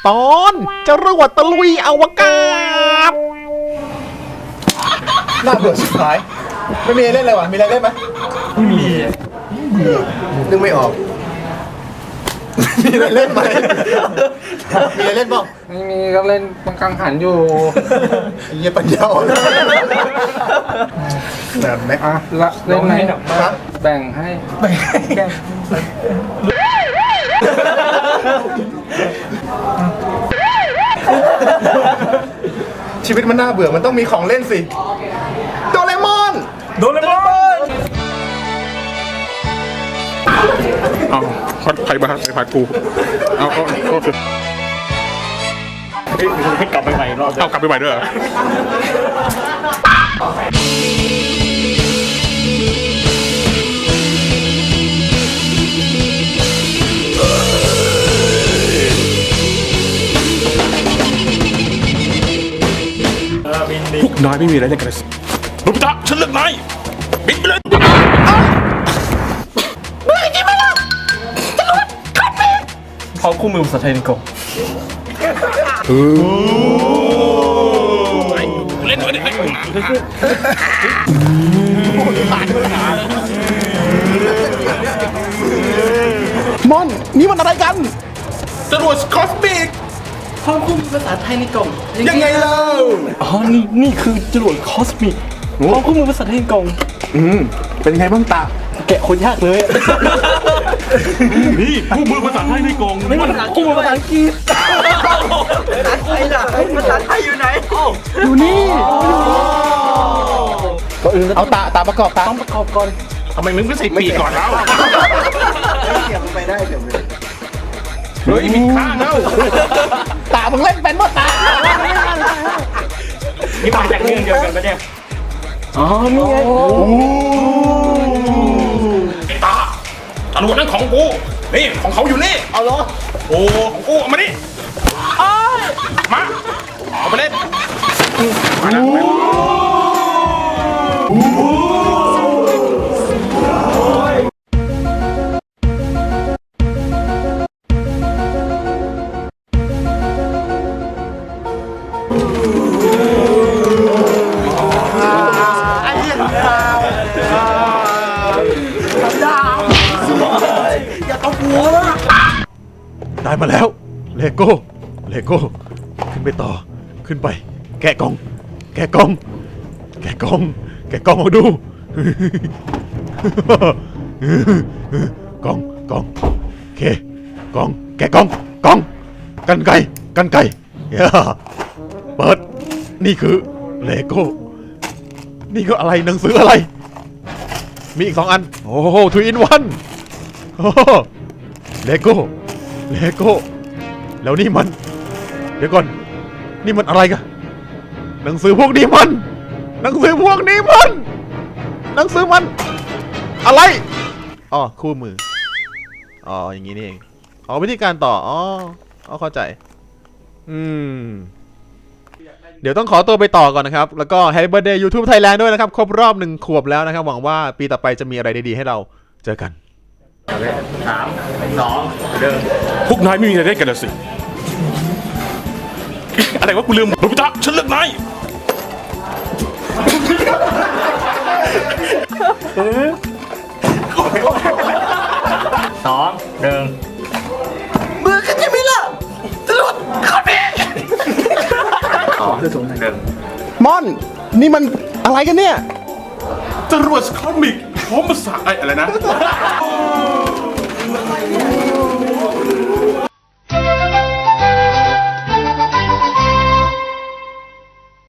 ตอนจรวดตะลุยอวกาศน่าเบื่อสุดท้ายไม่มีอะไรเล่นเลยวะมีอะไรเล่นไหมไม่มีนึกไม่ออกมีอะไรเล่นไหมมีอะไรเล่นบ้างไม่มีก็เล่นบังคังหันอยู่เยี่ยปัญญาอ่อนแบบไหนอ่ะละเล่นไหมครับแบ่งให้ชีวิตมันน่าเบื่อมันต้องมีของเล่นสิโดเรมอนเอาใครมาใครกูเอาโทษให้กลับไปใหม่รอบเอากลับไปใหม่ด้วยเหรอพวกนายไม่มีอะไรเล่นกันเลยโนบิตะฉันเลือกนายบินไปเลยพร้อมคู่มือภาษาไทยในกล่องเล่นด้วยดิมอนนี่มันอะไรกันจรวดคอสมิกพร้อมคู่มือภาษาไทยในกล่องยังไงเล่าอ๋อนี่คือจรวดคอสมิกพร้อมคู่มือภาษาไทยในกล่องเป็นไงบ้างตาแกะคนยากเลยนี่คู่มือภาษาไทยในกล่องไม่มันคู่มือภาษาอังกฤษอยู่นี่ก็อื่นเอาตาประกอบตาต้องประกอบก่อนทำไมมึงไม่ใส่ปีกก่อนแล้วเสียบไปได้เสียบไปเฮ้ยมีข้างแล้วตามึงเล่นเป็นป่ะตานี่มาจากเรื่องเดียวกันปะเนี่ยอ๋อนี่ไงไอ้ตาจรวดนั่นของกูนี่ของเขาอยู่นี่เอาเหรอโอ้ของกูเอามาดิมาเอาไปเล่นมาแล้วได้มาแล้วเลโก้ขึ้นไปต่อขึ้นไปแกะกล่องแกะกล่องมาดู กล่องโอเคกล่องแกะกล่องกันไก่ย่าเปิดนี่คือเลโก้นี่ก็อะไรหนังสืออะไรมีอีก2 อันโอ้โห2 in 1เลโก้แล้วนี่มันเดี๋ยวก่อนนี่มันอะไรกันหนังสือพวกนี้มันอะไรอ๋อคู่มืออ๋ออย่างนี้นี่เองอ๋อวิธีการต่ออ๋อเข้าใจเดี๋ยวต้องขอตัวไปต่อก่อนนะครับแล้วก็ Happy Birthday YouTube Thailand ด้วยนะครับครบรอบ1 ขวบแล้วนะครับหวังว่าปีต่อไปจะมีอะไรดีๆให้เราเจอกันพวกนายไม่มีอะไรเล่นกันเลยสิ อะไรวะกูลืมโนบิตะฉันเลือกนายมือกันยังไม่ล่ะจรวดคอสมิกอ๋อคือสูง1 ม่อนนี่มันอะไรกันเนี่ยจรวดคอสมิกพร้อมภาษาอะไรนะ